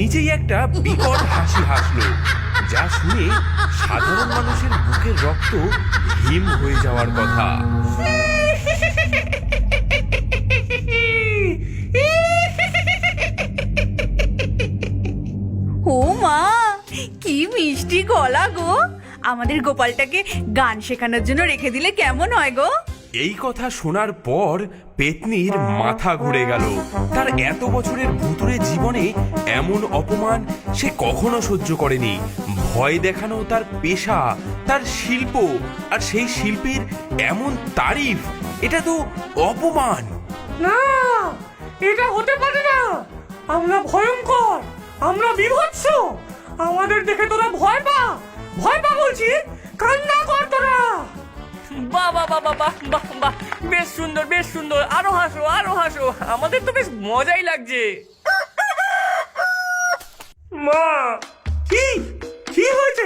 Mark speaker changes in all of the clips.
Speaker 1: নিজেই একটা বিকট হাসি হাসলো, যা শুনে সাধারণ মানুষের বুকের রক্ত হিম হয়ে যাওয়ার কথা।
Speaker 2: ও মা, কি মিষ্টি গলা গো! আমাদের গোপালটাকে গান শেখানোর জন্য রেখে দিলে কেমন হয় গো?
Speaker 1: এই কথা শোনার পর পেতনির মাথা ঘুরে গেল। তার এত বছরের ভুতুড়ে জীবনে এমন অপমান সে কখনো সহ্য করেনি। ভয় দেখানো তার পেশা, তার শিল্প, আর সেই শিল্পীর এমন তারিফ, এটা তো অপমান।
Speaker 3: না, এটা হতে পারে না। আমরা ভয়ঙ্কর, আমরা বিভৎস। আমাদের দেখে তোরা ভয় পা, ভয় পা বলছি, কান্না কর তোরা।
Speaker 4: বাহ বাহ বাহ বাহ বাহ বাহ বাহ, বেশ সুন্দর বেশ সুন্দর, আরো হাসো আরো হাসো, আমাদের তো বেশ মজাই লাগছে।
Speaker 3: মা, কি কি হয়েছে?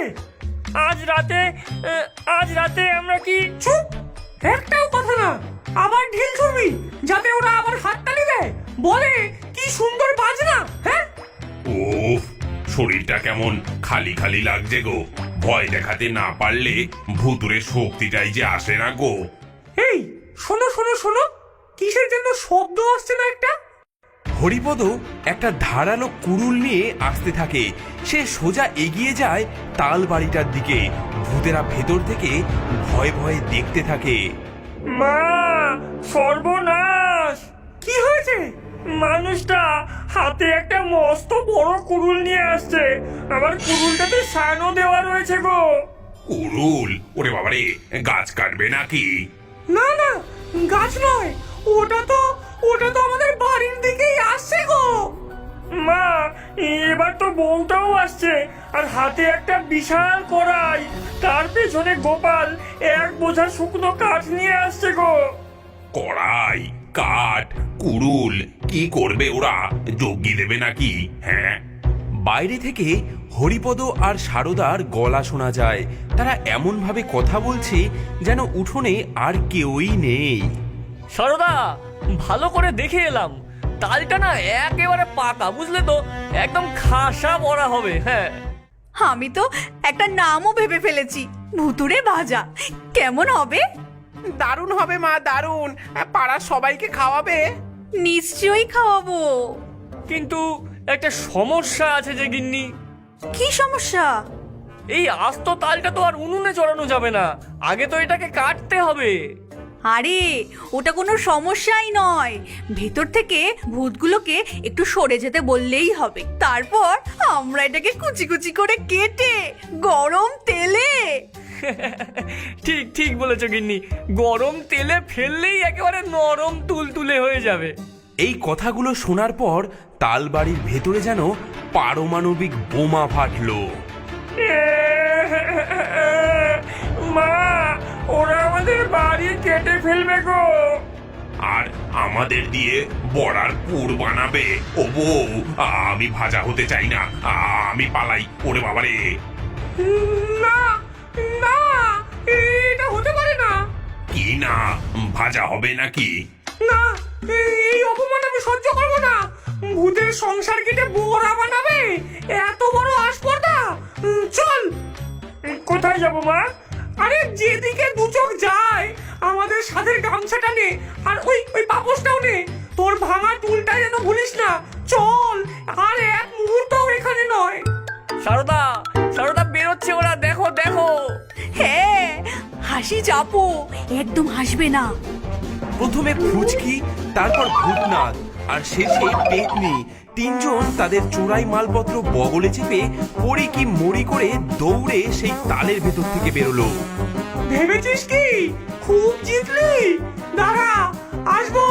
Speaker 4: আজ রাতে আমরা কি
Speaker 3: চুপ, একটাও কথা না। আবার ঢিল ছুড়বি যাতে ওরা আবার হাততালি দেয়, বলে কি সুন্দর বাজনা। হ্যাঁ,
Speaker 1: ওফ, শরীরটা কেমন খালি খালি লাগছে গো। ভয় দেখাতে না পারলে ভুতুরে শক্তিটাই যে আসে না গো।
Speaker 3: এই শোনো শোনো শোনো, কিসের জন্য শব্দ আসছে না একটা?
Speaker 1: হরিপদ একটা ধারালো কুড়ুল নিয়ে আসতে থাকে। সে সোজা এগিয়ে যায় তাল বাড়িটার দিকে। ভূতেরা ভেতর থেকে ভয়ে ভয়ে দেখতে থাকে।
Speaker 4: মা, সর্বনাশ!
Speaker 3: কি হয়েছে?
Speaker 4: মানুষটা হাতে একটা মস্ত বড় কুড়ুল নিয়ে আসছে। আমার কুড়ুলটাতে সানো দেওয়া রয়েছে গো।
Speaker 1: কুড়ুল? ওরে বাবারে, গাছ কাটবে নাকি?
Speaker 3: না না, গাছ নয়, ওটা তো আমাদের বাড়ির দিকেই আসছে গো।
Speaker 4: মা, এবার তো বউটাও আসছে, আর হাতে একটা বিশাল কড়াই। তার পেছনে গোপাল এক বোঝা শুকনো কাঠ নিয়ে আসছে গো।
Speaker 1: কড়াই, কাঠ, কুড়ুল, কি করবে ওরা? যজ্ঞি দেবে নাকি? হ্যাঁ। বাইরে থেকে হরিপদ আর সারদার গলা শোনা যায়। তারা এমন ভাবে কথা বলছে যেন উঠোনে আর কেউই নেই।
Speaker 4: সারদা, ভালো করে দেখে এলাম, তালটা না একেবারে পাকা, বুঝলে তো? একদম খাসা বড়া হবে। হ্যাঁ,
Speaker 2: আমি তো একটা নামও ভেবে ফেলেছি, ভুতুড়ে ভাজা। কেমন হবে?
Speaker 5: দারুণ হবে মা, দারুণ। পাড়ার সবাইকে খাওয়াবে?
Speaker 2: নিশ্চয়ই খাওয়াবো।
Speaker 4: কিন্তু একটা সমস্যা আছে যে গিন্নি।
Speaker 2: কি সমস্যা?
Speaker 4: এই আস্ত তালটা তো আর উনুনে চড়ানো যাবে না, আগে তো এটাকে কাটতে হবে।
Speaker 2: আরে, ওটা কোনো সমস্যাই নয়। ভেতর থেকে ভূতগুলোকে একটু সরে যেতে বললেই হবে। তারপর আমরা এটাকে কুচি কুচি করে কেটে গরম তেলে।
Speaker 4: ঠিক ঠিক বলেছো গিন্নি, গরম তেলে ফেললেই একেবারে নরম তুলতুলে হয়ে যাবে।
Speaker 1: এই কথাগুলো শোনার পর তালবাড়ির ভেতরে যেন পারমাণবিক বোমা ফাটলো।
Speaker 4: মা, ওরা আমাদের বাড়ি কেটে ফেলবে গো।
Speaker 1: আর আমাদের দিয়ে বড়ার পুর বানাবে। ও বউ, আমি ভাজা হতে চাই না, আমি পালাই। ওরে বাবারে!
Speaker 3: না না, এটা হতে পারে না।
Speaker 1: কি না? ভাজা হবে নাকি?
Speaker 3: না, এই অপমান আমি সহ্য করবো না। ভূতের সংসার কেটে বোরা বানাবে, এত বড় আসপর্দা। চল।
Speaker 4: কোথায় যাবো মা?
Speaker 3: আরে যেদিকে দু চোখ যায়, আমাদের সাথের গামছাটা নে, আর ওই পাপোশটাও নে। তোর ভাঙা টুলটা যেন ভুলিস না। চল, আর এক মুহূর্তও এখানে নয়।
Speaker 4: সারদা, সারদা, বেরোচ্ছে ওরা, দেখো দেখো।
Speaker 2: হ্যাঁ, হাসি চাপো, একদম হাসবে না।
Speaker 1: প্রথমে ফুচকি, তারপর ভূতনাথ, আর শেষে পেতনি। তিনজন তাদের চোরাই মালপত্র বগলে চেপে পড়ি কি মরি করে দৌড়ে সেই তালের ভেতর থেকে বেরোলো।
Speaker 3: ভেবেছিস কি খুব জিতলি? দাঁড়া, আসবো।